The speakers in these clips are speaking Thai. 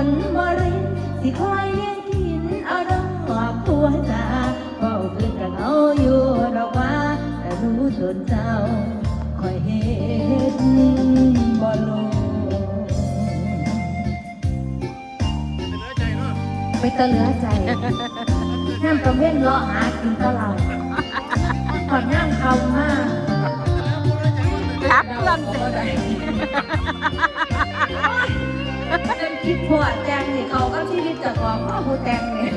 นบรินสิคอยเลี้ยงกินเอาดอกผัวจ๋าเฝ้าคืนกับเอาอยู่ดอกว่าแต่รู้ตนเจ้าคอยเห็นบ่ลงไปตะเหลือใจน้ำกระเว้นเลาะหากินตะเราก่อนนั่งเขามากรับลำใจเป็นคิดผัวแจงนี่เขาก็ชีวิตจะกองพ่อผู้แจงเนี่ย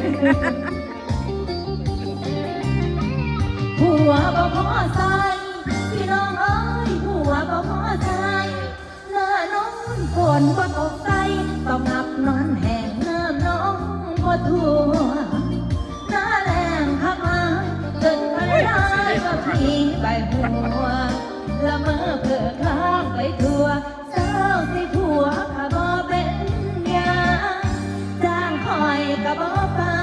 ผัวบ่พอใจพี่น้องเอ้ยผัวบ่พอใจหน้าน้องฝนบ่ตกใจต้องนับนอนแห้งน้ำน้องบ่ทั่วหน้าแรงพักมาจนไม่ได้ก็พี่ใบหัวละเมอเพื่อข้างไปทั่วเจ้าสิผัวข้าบ่เป็นยาจ้างคอยก็บ่ปา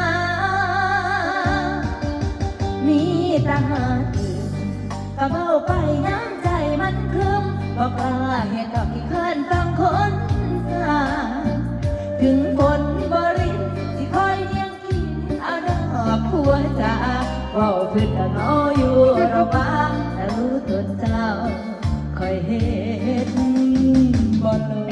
มีแต่หาตื่นก็เบาไปน้ำใจมันครึ้มบอกลาเห็นดอกที่เคลื่อนฟังคนสาถึงฝนบรินสิคอยเลี้ยงกินเอาดอกผัวจ๋าเว้าพื้นกันเอาอยู่ระบ้างแต่รู้ตนเจ้าคอยเห็นบ่ลง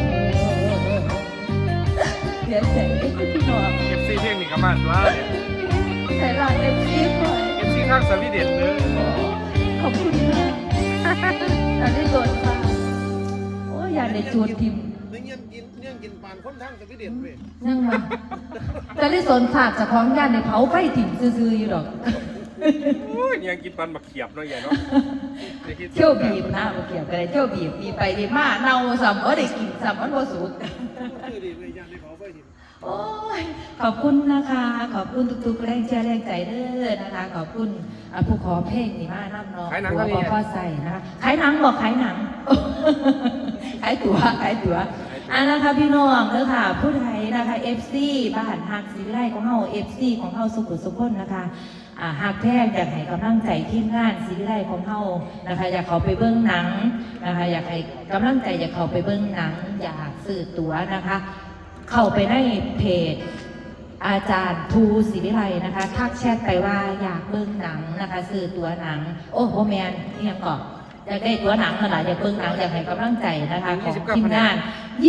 เสียใจไม่คิดที่นอน FC เพลงนี่ก็มาตัวเนี่ยใส่ลายFC คอย FC ข้างสวีเดนเลยขอบคุณมากอยากได้โดนค่ะโอ้ยอยากได้จูดทิมเนี่ยกินปานคนทางสวีเดนเว้ยนั่งมาจะได้สนฝากจากของยานในเผาไฟถิ่มซื่อๆอยู่หรอกโอ้ยยังกินปานบักเขียบเนาะใหญ่เนาะเที่ยวบีบนะบ่เกี่ยวกันเลยเที่ยวบีบบีไปบีมาเน่าซ้ำได้กินซ้ำมันบ่สุดคือดีเลยยังได้เผาไฟถิ่มโอ้ยขอบคุณนะคะขอบคุณทุกๆแรงเชียร์แรงใจเด้อนะคะขอบคุณผู้ขอเพลงนี่มาน้ำเนาะตัวพ่อใส่นะคะขายหนังบอกขายหนังขายตั๋วนะคะพี่น้องเด้อค่ะผู้ไทยนะคะ FC บ้านฮักศิวิไลของเฮา FC ของเฮาสุขุสุขคนนะคะหากแท้อยากให้กำลังใจทีมงานศิวิไลของเฮานะคะอยากเขาไปเบิ้งหนังนะคะอยากให้กำลังใจอยากเขาไปเบิ้งหนังอยากซื้อตั๋วนะคะเข้าไปในเพจอาจารย์ภูศิวิไลนะคะทักแชทไปว่าอยากเบิ้งหนังนะคะซื้อตั๋วหนังโอ้โหแมนนี่ยังก่อนอยากได้ตั๋วหนังขนาดอยากเบิ้งหนังอยากให้กำลังใจนะคะของทีมงาน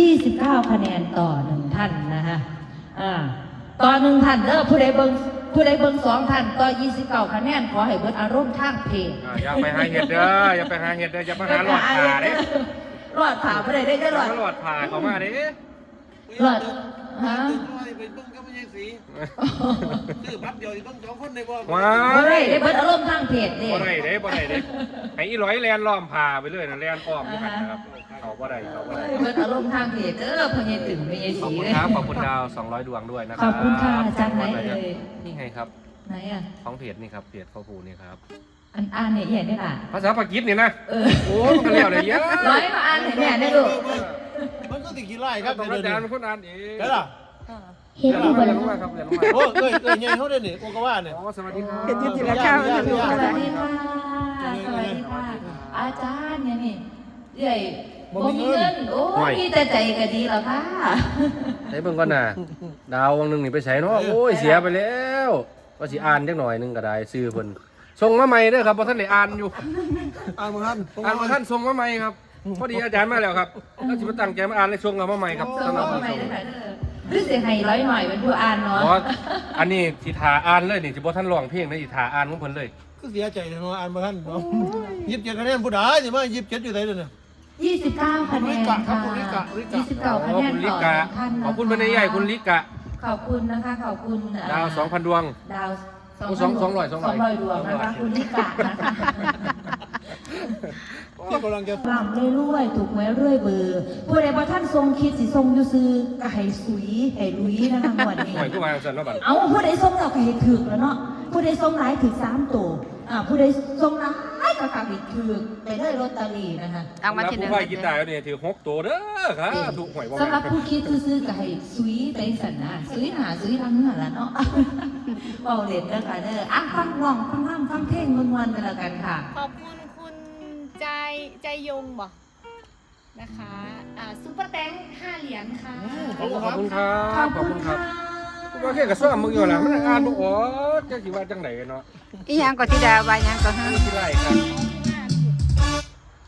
29 คะแนนต่อ1ท่านนะคะต่อ1ท่านเด้อผู้ใดเบิ้ง2ท่านต่อ29 คะแนนขอให้เบิ้งอารมณ์ทางเพจอย่าไปหาเห็ดเด้ออย่าไปหาเห็ดเด้ออย่าไปหาหลอดผ่าเด้หลอดผ่าไม่ได้จะหลอดหลอดผ่าเขามาเด้หลอดฮะเป็นเบิ้งก็ไม่ใช่สีชื่อบัตรเดียวต้อง2 คนในบ่ว้าบ่ได้เบิ้งอารมณ์ทางเพจเด้บ่ได้เด้ให้อีร้อยแลนล้อมผ่าไปเลยนะแลนอ้อมอยู่กันนะครับเขาบ่ได้เบิ้งอารมณ์ทางเพจเด้อพญายตึงพญายขอบสีคุณเลยครับขอบคุณดาว200 ดวงด้วยนะครับขอบคุณค่ะอาจารย์ไหนเอ่ยนี่ไงครับไหนอ่ะของเพจนี่ครับเพจพ่อภูนี่ครับอ่านเนี่ยใหญ่ได้ล่ะภาษาปากีสนี่นะเออโอ้มันก็เลี้ยวเลยเยอะร้อยมาอ่านเนี่ยได้ลูกมันก็ติดกี่ไร่ครับต้องอาจารย์เป็นคนอ่านเองใช่ล่ะเห็นอยู่บนเรียนรู้มาครับเรียนรู้มาโอ้ยใหญ่เขาเด้นี่โกกว่าเนี่ยอ๋อสวัสดีครับเห็นยืนจิตละข้าวสวัสดีค่ะสวัสดีค่ะอาจารย์เนี่ยนี่ใหญ่บ่มีเงินโอ้ยมีแต่ใจก็ดีแล้วค่ะใช้เบิ่งก่อนน่ะดาววังหนึงนี่ไปใช้เนาะโอ้ยเสียไปแล้วก็สิอ่านจักหน่อยนึงก็ได้ซื้อเพิ่นส่งมาใหม่เด้อครับบ่ทันได้อ่านอยู่อ่านมาท่านอ่านบ่ทันส่งมาใหม่ครับพอดีอาจารย์มาแล้วครับแล้วสิมาตั้งใจมาอ่านเลยส่งมาใหม่ครับส่งมาใหม่เลยค่ะหรือเสียงไห้ร้อยหน่อยเป็นผู้อ่านเนาะเพราะอันนี้สิทาอ่านเลยนี่สิบ่ทันร้องเพลงนะสิทาอ่านของเพิ่นเลยก็เสียใจเนาะอ่านมาท่านเนาะ27 คะแนนผู้ใดนี่มา27อยู่ไหนเด้อเนี่ย 29 คะแนนค่ะ29 คะแนนคุณลิต่อกะท่านขอบคุณเป็นใหญ่คุณลิกะขอบคุณนะคะขอบคุณดาว 2,000 ดวงดาว 200 200 ดวงนะคะคุณลิกะนะคะที่กำลังจะลำเรื่อยๆถูกไว้เรื่อยเบอร์ผู้ใดว่าท่านทรงคิดสิทรงอยู่ซื้อก็ให้สุยให้ลุยนะคะหมวดนี้หน่วยกู้มาสั่นเนาะบัดเอาผู้ใดทรงเราก็ให้ถึกแล้วเนาะผู้ใดทรงหลายถึก3 ตัวผู้ใดทรงหลายก็ให้ถึกไปได้ลอตเตอรี่นะคะเอามาแล้วทีหนึผู้งว่ากีตาร์เนี่ยถือ6ตัวเด้อครับถูกหวยบ่สำหรับผู้คิดซื้อๆก็ให้สุยไปสันนะสุยหนาสุยทางเหนือละเนาะเบาเด่นเด้อค่ะเด้อฟังร้องฟังเพลงม่วนๆกันแล้วกันค่ะขอบคุณคุณใจยงบ่นะคะซุปเปอร์แตง5 เหรียญค่ะขอบคุณครับขอบคุณครับว่าแค่กระซ่อมมึงอยู่ล่ะมันอ่านบ่ออกจักสิว่าจังไดเนาะอีหยังก็ธิดาว่าหยังก็ฮะที่ไรครับ